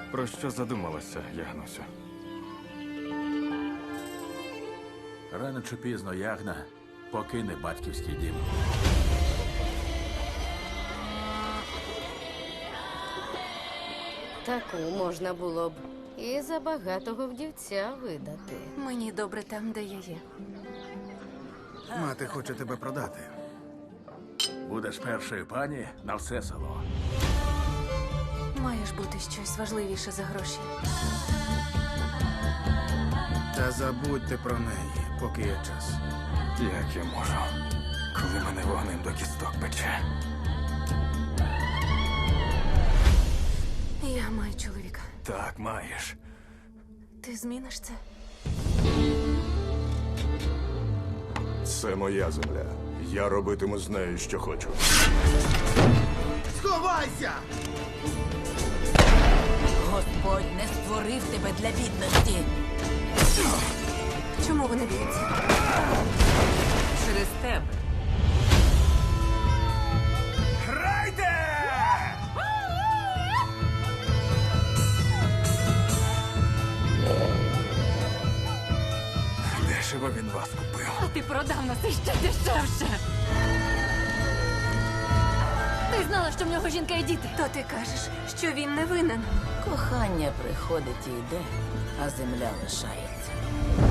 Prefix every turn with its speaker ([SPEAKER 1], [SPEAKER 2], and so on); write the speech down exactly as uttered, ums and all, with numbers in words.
[SPEAKER 1] Про що задумалася, Ягнусю?
[SPEAKER 2] Рано чи пізно Ягна покине батьківський дім.
[SPEAKER 3] Таку можна було б і за багатого вдівця видати.
[SPEAKER 4] Мені добре там, де я є.
[SPEAKER 5] Мати хоче тебе продати.
[SPEAKER 2] Будеш першою пані на все село.
[SPEAKER 4] Має ж бути щось важливіше за гроші.
[SPEAKER 5] Та забудьте про неї, поки є час.
[SPEAKER 1] Як я можу, коли мене вогнем до кісток пече?
[SPEAKER 4] Я маю чоловіка.
[SPEAKER 1] Так, маєш.
[SPEAKER 4] Ти зміниш це?
[SPEAKER 6] Це моя земля. Я робитиму з нею, що хочу.
[SPEAKER 5] Сховайся!
[SPEAKER 7] Господь не створив тебе для бідності.
[SPEAKER 4] Чому вони б'ються?
[SPEAKER 7] Через тебе.
[SPEAKER 1] Грайте! Дешево він вас купив.
[SPEAKER 4] А ти продав нас іще дешевше. Ти знала, що в нього жінка і діти. То ти кажеш, що він не винен.
[SPEAKER 7] Кохання приходить і йде, а земля лишається.